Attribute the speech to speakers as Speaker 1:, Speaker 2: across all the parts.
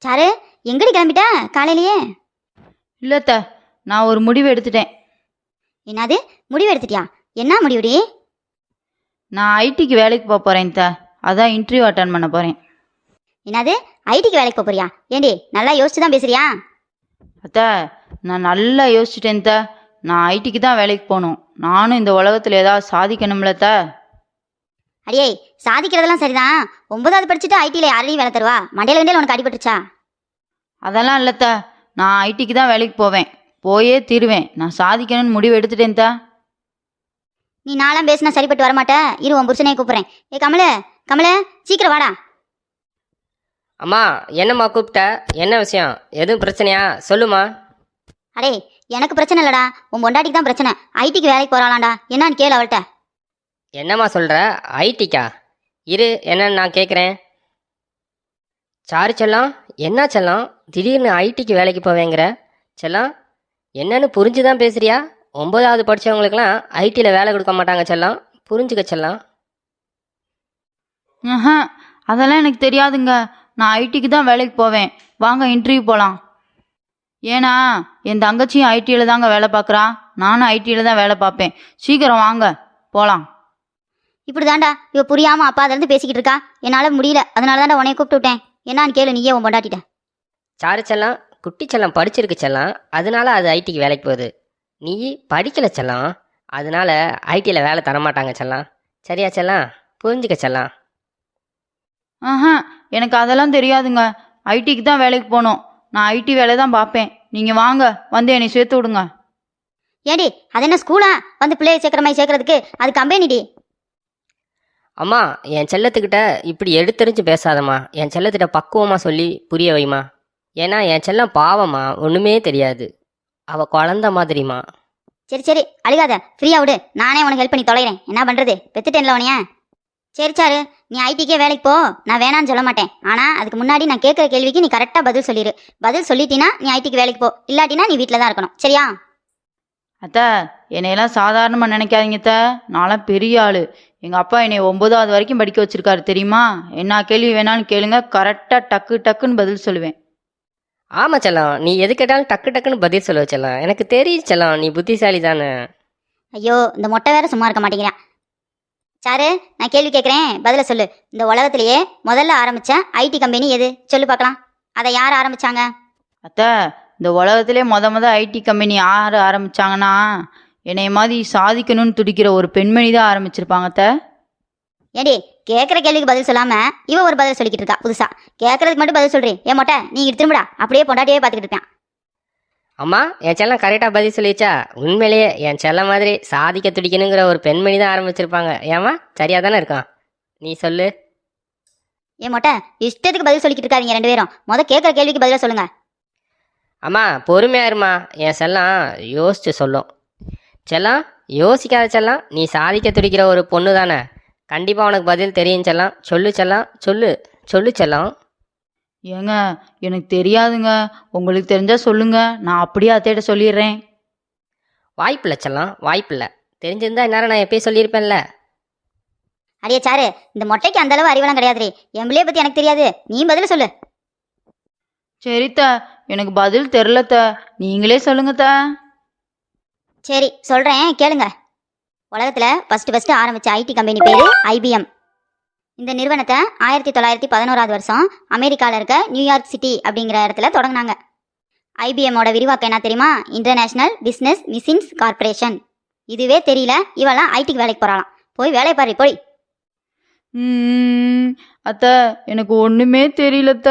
Speaker 1: Sir, எங்கடி கிளம்பிட்ட காலையிலேயே?
Speaker 2: இல்லத்த, நான் ஒரு முடிவு எடுத்துட்டேன்.
Speaker 1: என்னது முடிவு எடுத்துட்டியா? என்ன முடிவுடி?
Speaker 2: நான் ஐடிக்கு வேலைக்கு போக போகிறேன் த. அதான் இன்டர்வியூ அட்டன் பண்ண போகிறேன்.
Speaker 1: என்னது ஐடிக்கு வேலைக்கு போக போறியா? ஏண்டி நல்லா யோசிச்சு தான் பேசுறியா?
Speaker 2: அத்த, நான் நல்லா யோசிச்சுட்டேன் த. நான் ஐடிக்கு தான் வேலைக்கு போகணும். நானும் இந்த உலகத்தில் ஏதாவது சாதிக்கணும்ல த.
Speaker 1: அடியே, சாதிக்கிறதெல்லாம் சரிதான். 9வது படிச்சுட்டு ஐடியில் யாரையும் வேலை தருவா? மண்டையில வண்டியில் உனக்கு அடிபட்டுருச்சா?
Speaker 2: அதெல்லாம் இல்லைத்த, நான் ஐடிக்கு தான் வேலைக்கு போவேன். போயே தீருவேன். நான் சாதிக்கணும்னு முடிவு எடுத்துட்டேன் த.
Speaker 1: நீ நாளாம் பேசினா சரிப்பட்டு வரமாட்ட. இரு, உன் புருஷனையே கூப்பிட்றேன். ஏ கமல, கமல, சீக்கிரம் வாடா.
Speaker 3: அம்மா, என்னம்மா கூப்பிட்ட? என்ன விஷயம்? எதுவும் பிரச்சனையா? சொல்லுமா.
Speaker 1: அடே, எனக்கு பிரச்சனை இல்லடா, உன் பொண்டாட்டிக்கு தான் பிரச்சனை. ஐடிக்கு வேலைக்கு போறாளாண்டா, என்னன்னு கேளு அவள்கிட்ட.
Speaker 3: என்னம்மா சொல்கிற? ஐடிக்கா? இரு, என்னன்னு நான் கேட்குறேன். சாரு செல்லம், என்ன செல்லம் திடீர்னு ஐடிக்கு வேலைக்கு போவேங்கிற? செல்லம், என்னன்னு புரிஞ்சு தான் பேசுறியா? 9வது படித்தவங்களுக்கெல்லாம் ஐடியில் வேலை கொடுக்க மாட்டாங்க செல்லம், புரிஞ்சுக்க செல்லம்.
Speaker 2: அதெல்லாம் எனக்கு தெரியாதுங்க. நான் ஐடிக்கு தான் வேலைக்கு போவேன். வாங்க இன்டர்வியூ போகலாம். ஏன்னா என் தங்கச்சியும் ஐடியில் தாங்க வேலை பார்க்குறா. நானும் ஐடியில் தான் வேலை பார்ப்பேன். சீக்கிரம் வாங்க போகலாம்.
Speaker 1: இப்படி தாண்டா இவ புரியாம அப்பா அதிலிருந்து பேசிக்கிட்டு இருக்கா. என்னால் முடியல, அதனால தாண்டா உன்னைய கூப்பிட்டு விட்டேன். என்னான்னு கேளு நீயே உன் பொண்டாட்டிட்ட.
Speaker 3: சாரு செல்லம், குட்டி செல்லம் படிச்சிருக்கு செல்லம், அதனால அது ஐடிக்கு வேலைக்கு போகுது. நீ படிக்கல செல்லம், அதனால ஐடியில் வேலை தரமாட்டாங்க செல்லம். சரியா செல்லம்? புரிஞ்சுக்க செல்லம்.
Speaker 2: எனக்கு அதெல்லாம் தெரியாதுங்க. ஐடிக்கு தான் வேலைக்கு போகணும். நான் ஐடி வேலை தான் பார்ப்பேன். நீங்கள் வாங்க, வந்து என்னை சேர்த்து விடுங்க.
Speaker 1: ஏடி, அது என்ன ஸ்கூலா? வந்து பிள்ளைய சேர்க்குற மாதிரி சேர்க்கறதுக்கு அது கம்பெனிடி.
Speaker 3: அம்மா, என் செல்லத்துக்கிட்ட இப்படி எடுத்தெறிஞ்சு பேசாதம்மா. என் செல்லத்திட்ட பக்குவமாக சொல்லி புரிய வைமா. ஏன்னா என் செல்லம் பாவம்மா, ஒன்றுமே தெரியாது. அவள் குழந்த மாதிரிம்மா.
Speaker 1: சரி சரி, அழுகாத, ஃப்ரீயா விடு. நானே உனக்கு ஹெல்ப் பண்ணி தொலைகிறேன். என்ன பண்ணுறது, பெத்துட்டேன்ல உனைய. சரி சாரு, நீ ஐடிக்கே வேலைக்கு போ. நான் வேணான்னு சொல்ல மாட்டேன். ஆனால் அதுக்கு முன்னாடி நான் கேட்குற கேள்விக்கு நீ கரெக்டாக பதில் சொல்லிடு. பதில் சொல்லிட்டினா நீ ஐடிக்கு வேலைக்கு போ, இல்லாட்டினா நீ வீட்டில் தான் இருக்கணும். சரியா?
Speaker 2: அத்தை, என்னையெல்லாம் சாதாரணமாக நினைக்காதீங்க அத்தை. நான்லாம் பெரிய ஆள். எங்கள் அப்பா என்னை 9வது வரைக்கும் படிக்க வச்சிருக்காரு தெரியுமா? என்ன கேள்வி வேணாலும் கேளுங்க, கரெக்டாக டக்கு டக்குன்னு பதில் சொல்லுவேன்.
Speaker 3: ஆமாம் செல்லம், நீ எது கேட்டாலும் டக்கு டக்குன்னு பதில் சொல்லுவ செல்லம். எனக்கு தெரியும் செல்லம், நீ புத்திசாலி தானே.
Speaker 1: ஐயோ, இந்த மொட்டை வேற சும்மா இருக்க மாட்டேங்கிறான். சாரு, நான் கேள்வி கேட்குறேன், பதில சொல்லு. இந்த உலகத்திலேயே முதல்ல ஆரம்பித்த ஐடி கம்பெனி எது? சொல்லு பார்க்கலாம். அதை யார் ஆரம்பித்தாங்க?
Speaker 2: அத்தை, இந்த உலகத்திலே மொத ஐடி கம்பெனி யார் ஆரம்பித்தாங்கன்னா, என்னை மாதிரி சாதிக்கணும்னு துடிக்கிற ஒரு பெண்மணி தான் ஆரம்பிச்சிருப்பாங்க அத்தை.
Speaker 1: ஏடி, கேட்குற கேள்விக்கு பதில் சொல்லாமல் இவ ஒரு பதில் சொல்லிக்கிட்டு இருக்கா புதுசா. கேட்கறதுக்கு மட்டும் பதில் சொல்றேன். ஏன் மொட்டை, நீ இங்க திரும்புடா. அப்படியே பொண்டாட்டியே பார்த்துக்கிட்டு இருப்பேன்.
Speaker 3: அம்மா, என் செல்லம் கரெக்டாக பதில் சொல்லிச்சா? உண்மையிலேயே என் செல்லம் மாதிரி சாதிக்க துடிக்கணுங்கிற ஒரு பெண்மணி தான் ஆரம்பிச்சிருப்பாங்க. ஏம்மா, சரியா தானே இருக்கான்? நீ சொல்லு.
Speaker 1: ஏன் மொட்டை, இஷ்டத்துக்கு பதில் சொல்லிக்கிட்டு இருக்காதீங்க ரெண்டு பேரும். கேட்குற கேள்விக்கு பதிலாக சொல்லுங்க.
Speaker 3: அம்மா, பொறுமையா இருமா. என் செல்லம் யோசிச்சு சொல்லும். செல்லம், யோசிக்காத செல்லம், நீ சாதிக்க துடிக்கிற ஒரு பொண்ணு தானே. கண்டிப்பாக உனக்கு பதில் தெரியும் செல்லம். சொல்லு செல்லம், சொல்லு சொல்லு செல்லம்.
Speaker 2: ஏங்க, எனக்கு தெரியாதுங்க. உங்களுக்கு தெரிஞ்சா சொல்லுங்க, நான் அப்படியே அத்தையிட்ட சொல்லிடுறேன்.
Speaker 3: வாய்ப்பில்லை செல்லம், வாய்ப்பில்லை. தெரிஞ்சிருந்தா இந்நேரம் நான் எப்பயும் சொல்லியிருப்பேன்ல.
Speaker 1: அடியே சாரு, இந்த மொட்டைக்கு அந்த அளவு அறிவெல்லாம் கிடையாதுரே. என் பிள்ளைய பற்றி எனக்கு தெரியாது, நீ பதில் சொல்லு.
Speaker 2: சரித்த, எனக்கு பதில் தெரிலத்த, நீங்களே சொல்லுங்கத்த.
Speaker 1: சரி சொல்கிறேன் கேளுங்க. உலகத்தில் ஃபஸ்ட்டு ஆரம்பித்த ஐடி கம்பெனி பேர் ஐபிஎம். இந்த நிறுவனத்தை 1911வது வருஷம் அமெரிக்காவில் இருக்க நியூயார்க் சிட்டி அப்படிங்கிற இடத்துல தொடங்கினாங்க. ஐபிஎம்மோட விரிவாக்கம் என்ன தெரியுமா? International business machines corporation. இதுவே தெரியல, இவெல்லாம் ஐடிக்கு வேலைக்கு போகிறாளாம். போய் வேலையை பாரு போய்.
Speaker 2: அத்த, எனக்கு ஒன்றுமே தெரியலத்த.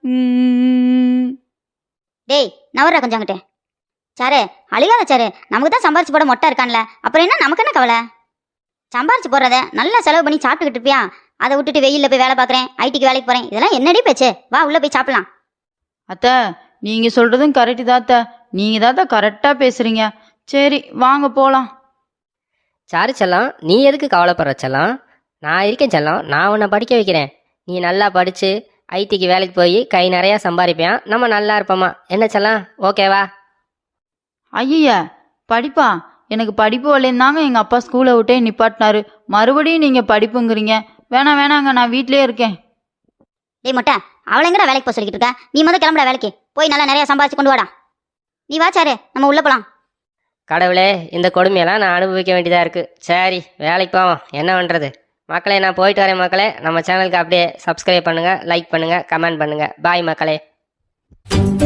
Speaker 1: டேய், நவர்ற கொஞ்சம் அங்கிட்டு. சாரு, அழுகாத சாரு. நமக்கு தான் சம்பாரிச்சு போட மொட்டை இருக்கான்ல, அப்புறம் என்ன நமக்கு என்ன கவலை? சம்பாரிச்சு போடுறத நல்லா செலவு பண்ணி சாப்பிட்டுக்கிட்டு இருப்பியா? அதை விட்டுட்டு வெயிலில் போய் வேலை பார்க்குறேன், ஐடிக்கு வேலைக்கு போகிறேன், இதெல்லாம் என்னடி பேச்சு? வா உள்ளே போய் சாப்பிடலாம்.
Speaker 2: அத்தை, நீங்கள் சொல்கிறதும் கரெக்டு தான் அத்தை. நீங்கள் தான் கரெக்டாக பேசுகிறீங்க. சரி வாங்க போகலாம்.
Speaker 3: சாரு செல்லம், நீ எதுக்கு கவலைப்படுற செல்லம்? நான் இருக்கேன் செல்லம். நான் உன்னை படிக்க வைக்கிறேன். நீ நல்லா படித்து ஐடிக்கு வேலைக்கு போய் கை நிறையா சம்பாதிப்பேன். நம்ம நல்லா இருப்போம்மா. என்ன செல்லம், ஓகேவா?
Speaker 2: ஐயா, படிப்பா? எனக்கு படிப்பு வரலேன்னு எங்கள் அப்பா ஸ்கூலை விட்டே நிப்பாட்டினாரு. மறுபடியும் நீங்கள் படிப்புங்கிறீங்க. வேணாங்க, நான் வீட்டிலே இருக்கேன்.
Speaker 1: டேய் மொட்டை, அவளை எங்கடா வேலைக்கு போக சொல்லிக்கிட்டு இருக்க? நீ முதல் கிளம்புடா வேலைக்கு. போய் நல்லா நிறைய சம்பாதிச்சு கொண்டு வாடா. நீ வா சாரு, நம்ம உள்ள போலாம்.
Speaker 3: கடவுளே, இந்த கொடுமையெல்லாம் நான் அனுபவிக்க வேண்டியதாக இருக்குது. சரி, வேலைக்கு போவோம், என்ன பண்ணுறது. மக்களே, நான் போயிட்டு வரேன் மக்களே. நம்ம சேனலுக்கு அப்படியே சப்ஸ்கிரைப் பண்ணுங்கள், லைக் பண்ணுங்கள், கமெண்ட் பண்ணுங்கள். பாய் மக்களே.